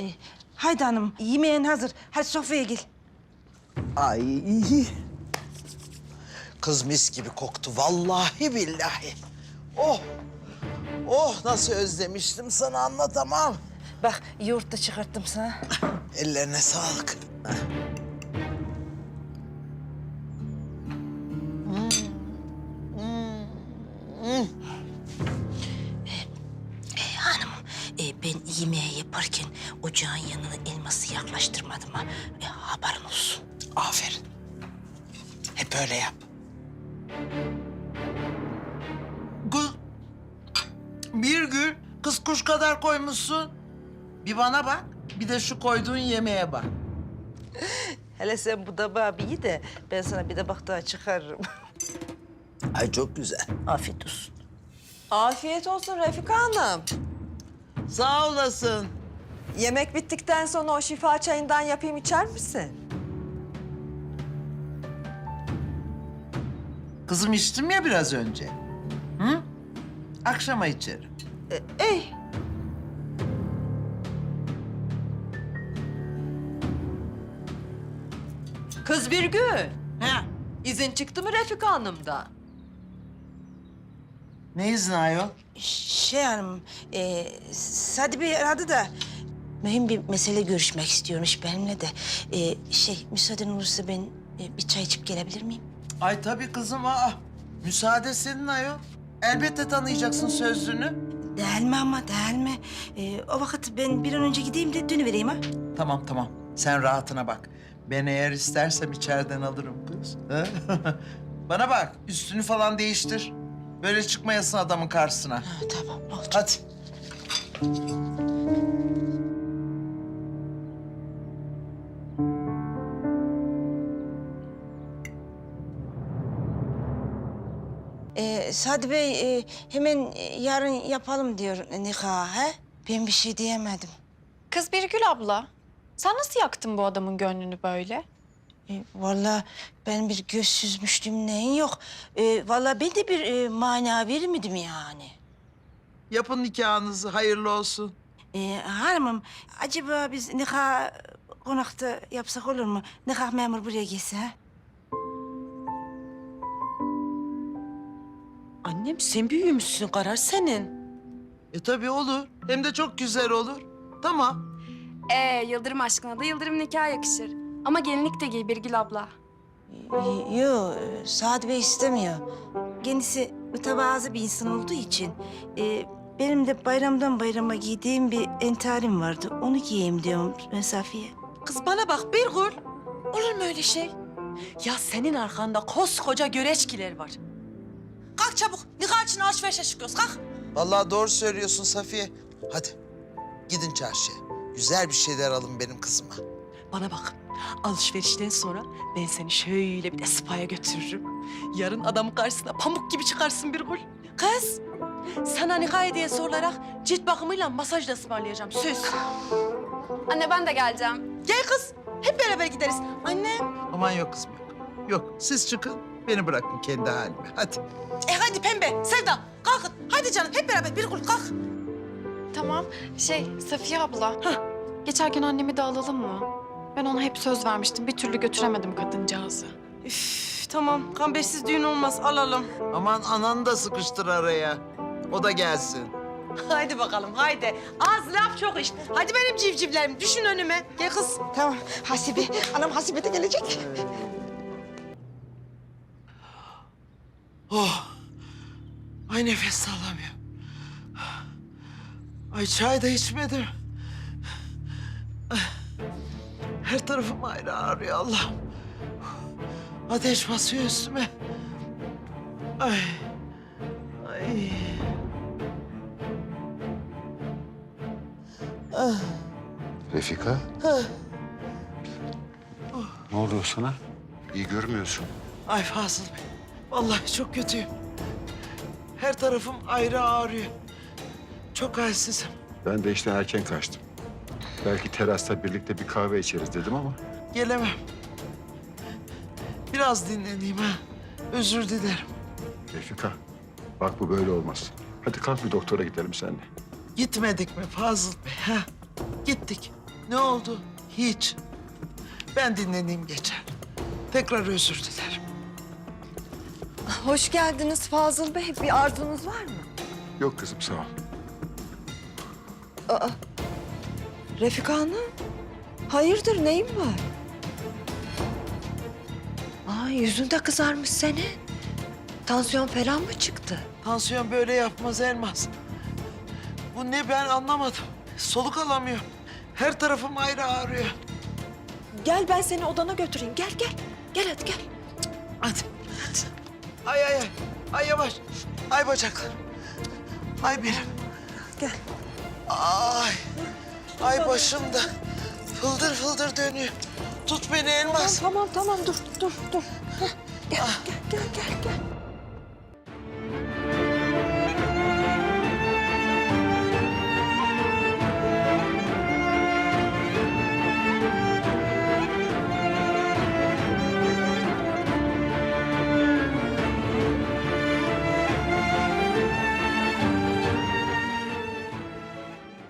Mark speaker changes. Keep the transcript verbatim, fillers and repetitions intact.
Speaker 1: E, haydi hanım, yemeğin hazır. Hadi sofraya gel.
Speaker 2: Ay. Kız mis gibi koktu vallahi billahi. Oh. Oh nasıl özlemiştim sana anlatamam.
Speaker 1: Bak yoğurt da çıkarttım sana.
Speaker 2: Ellerine sağlık.
Speaker 1: E, hanım, e, ben yemeği yaparken ocağın yanına elması yaklaştırmadım ha. E, haberin olsun.
Speaker 2: Aferin. Hep öyle yap. Kız, bir gün kız kuş kadar koymuşsun. Bir bana bak, bir de şu koyduğun yemeğe bak.
Speaker 1: Hele sen bu tabağı bir ye de ben sana bir tabak daha çıkarırım.
Speaker 2: Ay çok güzel.
Speaker 1: Afiyet olsun.
Speaker 3: Afiyet olsun Refika Hanım.
Speaker 2: Sağ olasın.
Speaker 3: Yemek bittikten sonra o şifa çayından yapayım içer misin?
Speaker 2: Kızım içtim ya biraz önce. Hı? Akşama içerim.
Speaker 3: E, ey. Kız bir gün.
Speaker 2: Ha?
Speaker 3: İzin çıktı mı Refika Hanım'dan?
Speaker 2: Ne izni ayol?
Speaker 1: Şey hanım, e, Sadi Bey aradı da mühim bir mesele görüşmek istiyormuş benimle de. E, şey, müsaaden olursa ben e, bir çay içip gelebilir miyim?
Speaker 2: Ay tabii kızım. Aa, müsaade senin ayol. Elbette tanıyacaksın sözlüğünü.
Speaker 1: Değil mi ama, değil mi? E, o vakit ben bir an önce gideyim de dönüvereyim ha.
Speaker 2: Tamam tamam. Sen rahatına bak. Ben eğer istersem içeriden alırım kız. Ha? Bana bak, üstünü falan değiştir. Böyle çıkmayasın adamın karşısına.
Speaker 1: Ha, tamam, oldu.
Speaker 2: Hadi.
Speaker 1: Ee, Sadi Bey e, hemen e, yarın yapalım diyor nikahı. He? Ben bir şey diyemedim.
Speaker 4: Kız Birgül abla, sen nasıl yaktın bu adamın gönlünü böyle?
Speaker 1: E, vallahi ben bir göz süzmüştüm neyin yok. E, vallahi ben de bir e, mana vermedim yani.
Speaker 2: Yapın nikahınızı, hayırlı olsun.
Speaker 1: E, hanımım acaba biz nikah konakta yapsak olur mu? Nikah memur buraya gelse ha?
Speaker 5: Annem sen büyümüşsün, karar senin.
Speaker 2: E tabii olur. Hem de çok güzel olur. Tamam.
Speaker 6: Ee, Yıldırım aşkına da Yıldırım nikah yakışır. Ama gelinlik de giy Birgül abla.
Speaker 1: E, Yok, e, Sadi Bey istemiyor. Kendisi mütevazı bir insan olduğu için... E, benim de bayramdan bayrama giydiğim bir entarim vardı. Onu giyeyim diyorum ben Safiye.
Speaker 5: Kız bana bak Birgül. Olur mu öyle şey? Ya senin arkanda koskoca göreçkiler var. Kalk çabuk, nikah için alışverişe çıkıyoruz, kalk.
Speaker 2: Vallahi doğru söylüyorsun Safiye. Hadi gidin çarşıya. Güzel bir şeyler alın benim kızıma.
Speaker 5: Bana bak, alışverişten sonra ben seni şöyle bir de spa'ya götürürüm. Yarın adamın karşısına pamuk gibi çıkarsın Birgül. Kız, sana nikah hediyesi olarak cilt bakımıyla masaj da ısmarlayacağım, söz.
Speaker 6: Anne ben de geleceğim.
Speaker 5: Gel kız, hep beraber gideriz. Annem.
Speaker 2: Aman yok kızım yok. Yok siz çıkın, beni bırakın kendi halime. Hadi.
Speaker 5: E hadi pembe, Sevda, kalkın. Hadi canım, hep beraber Birgül kalk.
Speaker 4: Tamam, şey Safiye abla. Geçerken annemi de alalım mı? Ben ona hep söz vermiştim, bir türlü götüremedim kadıncağızı.
Speaker 5: Üf, tamam, kambersiz düğün olmaz, alalım.
Speaker 2: Aman ananı da sıkıştır araya. O da gelsin.
Speaker 5: Haydi bakalım, haydi. Az laf çok iş. Hadi benim civcivlerim, düşün önüme. Gel kız.
Speaker 1: Tamam, Hasibe. Anam Hasibe de gelecek.
Speaker 2: Oh. Ay nefes alamıyorum. Ay çay da içmedim. Her tarafım ayrı ağrıyor Allah'ım. Ateş basıyor üstüme. Ay. Ay.
Speaker 7: Refika. Ne oluyor sana? İyi görmüyorsun.
Speaker 2: Ay Fazıl Bey. Vallahi çok kötüyüm. Her tarafım ayrı ağrıyor. Çok halsizim.
Speaker 7: Ben de işte erken kaçtım. Belki terasta birlikte bir kahve içeriz dedim ama...
Speaker 2: Gelemem. Biraz dinleneyim ha. Özür dilerim.
Speaker 7: Refika, bak bu böyle olmaz. Hadi kalk bir doktora gidelim seninle.
Speaker 2: Gitmedik mi Fazıl Bey ha? Gittik. Ne oldu? Hiç. Ben dinleneyim geçer. Tekrar özür dilerim.
Speaker 3: Hoş geldiniz Fazıl Bey. Bir arzunuz var mı?
Speaker 7: Yok kızım sağ ol.
Speaker 3: Aa, Refika Hanım. Hayırdır neyin var? Aa, yüzün de kızarmış senin. Tansiyon falan mı çıktı?
Speaker 2: Tansiyon böyle yapmaz Elmas. Bu ne ben anlamadım. Soluk alamıyorum. Her tarafım ayrı ağrıyor.
Speaker 3: Gel ben seni odana götüreyim. Gel gel. Gel hadi gel.
Speaker 2: Hadi. Ay ay ay. Ay yavaş. Ay bacaklarım. Ay benim.
Speaker 3: Gel.
Speaker 2: Ay. Ay başımda. Fıldır fıldır dönüyor. Tut beni Elmas.
Speaker 3: Tamam tamam dur dur dur. Heh, gel, gel gel gel gel.